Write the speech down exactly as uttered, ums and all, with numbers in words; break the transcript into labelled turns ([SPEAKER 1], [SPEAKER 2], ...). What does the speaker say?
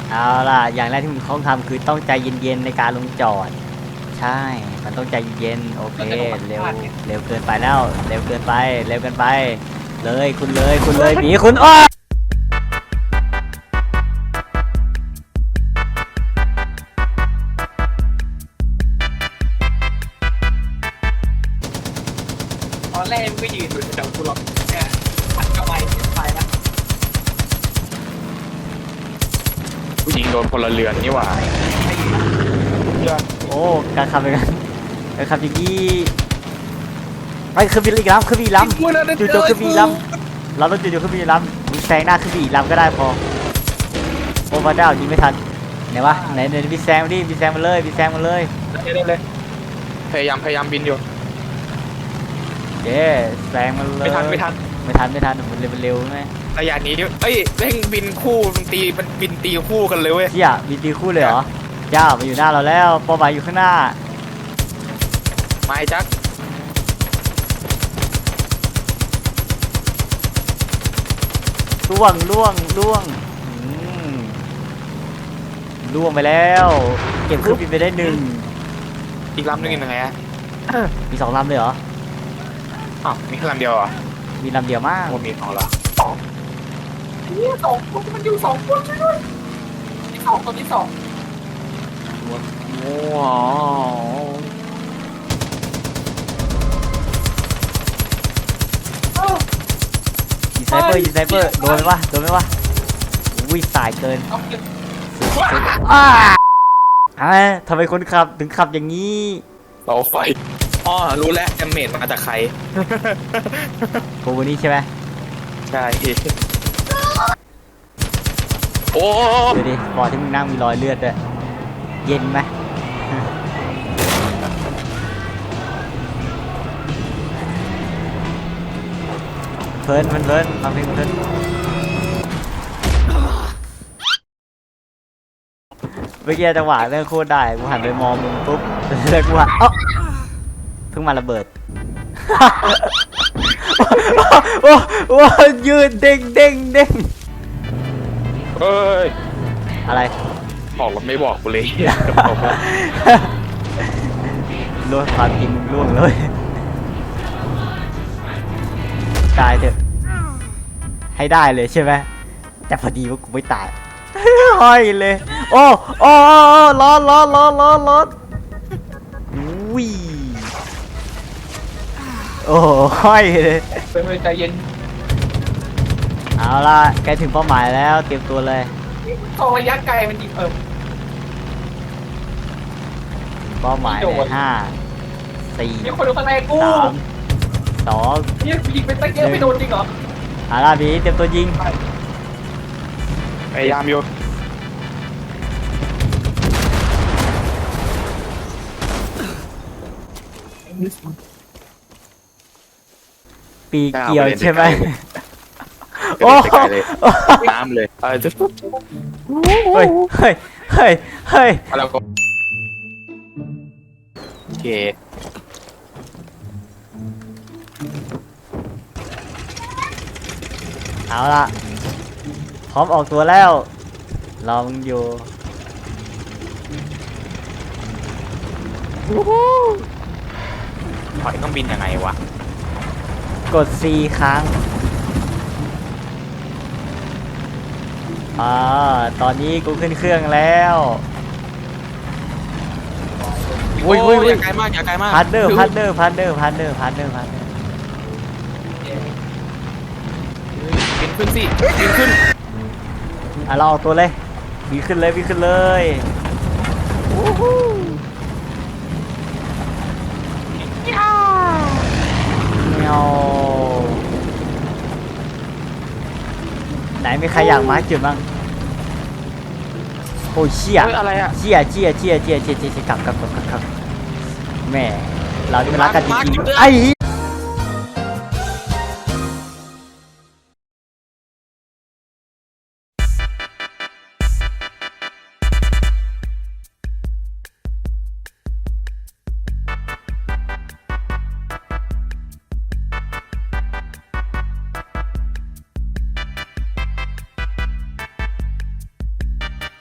[SPEAKER 1] เอาล่ะอย่างแรกที่มึงต้องทำคือต้องใจเย็นๆในการลงจอดใช่มันต้องใจเย็นโอเคเร็วเร็วเกินไปแล้วเร็วเกินไปเร็วเกินไปเลยคุณเลยคุณเลยหมีคุณอ้อ
[SPEAKER 2] ตอนแรกก็ยืนอยู่แถวกูหรอกแค่ผัดกระไวไปแล้ว
[SPEAKER 3] ผู้หญิงโดนพลเรือนนี่หว่า
[SPEAKER 1] โอ้การขับเป็นกันการขับอย่างนี้ไอ้คือบีอีกลำคือบีลำจุดจุดคือบีลำเราต้องจุดจุดคือบีลำมึงแซงหน้าคือบีลำก็ได้พอโอ้พระเจ้ายิงไม่ทันไหนวะไหนไหนบีแซงมาดิบีแซงมาเลยบีแซงมาเลย
[SPEAKER 3] ได้เลยพยายามพยายามบินอยู่
[SPEAKER 1] เย้แซงมาเลย
[SPEAKER 3] ไม่ทันไม่ทัน
[SPEAKER 1] ไม่ทันไม่ทันมันเร็วมันเร็วไหม
[SPEAKER 3] ระยะนี้เอ้ยเร่งบินคู่มันตีมันบินตีคู่กันเลยเว้ย
[SPEAKER 1] เชี่ยมีตีคู่เลยเหรอเจ้ามาอยู่หน้าเราแล้วเป้าหมายอยู่ข้างหน้า
[SPEAKER 3] ไม่จัก
[SPEAKER 1] ล่วงล่วงล่วงอืมล่วงไปแล้วเก็บเครื่องบินไปได้หนึ่ง
[SPEAKER 3] อีกลำนึงยังไงอะ
[SPEAKER 1] มีสองลำเลยเหรอ
[SPEAKER 3] อ้าวมีแค่ลำเดียวเหรอ
[SPEAKER 1] มีลำเดียวมาก
[SPEAKER 3] โอ้มีสองละ
[SPEAKER 2] นี่สองคนมันอยู่สองคนช่วยด้วยที่สองคนที่สอง
[SPEAKER 3] โอ้โห
[SPEAKER 1] ยิงไซเปอร์ยิงไซเปอร์โดนไหมวะโดนไหมวะวิ่งสายเกิน
[SPEAKER 2] เอาเก็บ
[SPEAKER 1] อ้าอ่าทำไมคนขับถึงขับอย่างนี้
[SPEAKER 3] เสาไฟอ๋อรู้แล้วแอมเมดมาจากใคร
[SPEAKER 1] โกโบนี่ใช่ไหม
[SPEAKER 3] ใช่โอ้
[SPEAKER 1] ดูดิบอร์ดที่มึงนั่งมีรอยเลือดด้วยเย็นไหมเพลินมันเพลินฟังเพลงเพลินเมื่อกี้จังหวะเรื่องโคตรได้กูหันไปมองมึงปุ๊บแล้วกูหันเอ้าเพิ่งมาระเบิด โอ้โอ้ยืนเด้งเด้งเด้ง
[SPEAKER 3] เอ้ย
[SPEAKER 1] อะไร
[SPEAKER 3] บอกเราไม่บอกกูเลย
[SPEAKER 1] ล่วงความจริงมึงล่วงเลยตายเถอะให้ได้เลยใช่ไหมแต่พอดีว่ากูไม่ตายห้อยเลยโอ้โอ้โอ้ร้อนร้อนร้อนร้อนร้อนวิ่โอ้ห้อยเลย
[SPEAKER 2] เป็นใจเย็น
[SPEAKER 1] เอาล่ะใกล้ถึงเป้าหมายแล้วเตรียมตัวเลย
[SPEAKER 2] ตองระยะไกลมันยิงเออ
[SPEAKER 1] เป้าหมายในห้าสี่
[SPEAKER 2] มีคนดูข้างในกู
[SPEAKER 1] สามสอง
[SPEAKER 2] เนี่ยยิงไปตั้งเยอะไม่โดนจริงเหรอ
[SPEAKER 1] เอาล่ะบีเตรียมตัวยิง
[SPEAKER 3] พยายามอยู่
[SPEAKER 1] ปีเกี่ยวใช่ไหม
[SPEAKER 3] โอ้
[SPEAKER 1] โอ้
[SPEAKER 3] เลยน้ำเลยเออจะ
[SPEAKER 1] เฮ้ยเฮ้ยเฮ้ยเฮ้ย
[SPEAKER 3] แล้วก็โอเค
[SPEAKER 1] เอาล่ะพร้อมออกตัวแล้วลองอยู่
[SPEAKER 3] ถอยเครื่องบินยังไงวะ
[SPEAKER 1] กด C ครั้งอ่าตอนนี้กูขึ้นเครื่องแล้วอุ้ยอุ้ยอุ้
[SPEAKER 3] อย ย่าไกลมากอย่าไกลมาก
[SPEAKER 1] พันเดอร์พันเดอร์พันเดอร์พันเดอร์พันเดอร์พันเดอร์
[SPEAKER 3] บินขึ้นสิบินขึ้น
[SPEAKER 1] อ่ะเราออกตัวเลยวิ่งขึ้นเลยวิ่งขึ้นเลยวู้ฮู้เมียวไหนมีใครอยากมาร์คจุดบ้างโอ้ยเชี่ย
[SPEAKER 3] เฮ้ยอะไรอะ
[SPEAKER 1] เชี่ยเชี่ยเชี่ยเชี่ยเชี่ยเชี่ยกลับกลับกลับกลับแม่เราที่มันรักกันจริงๆไอ้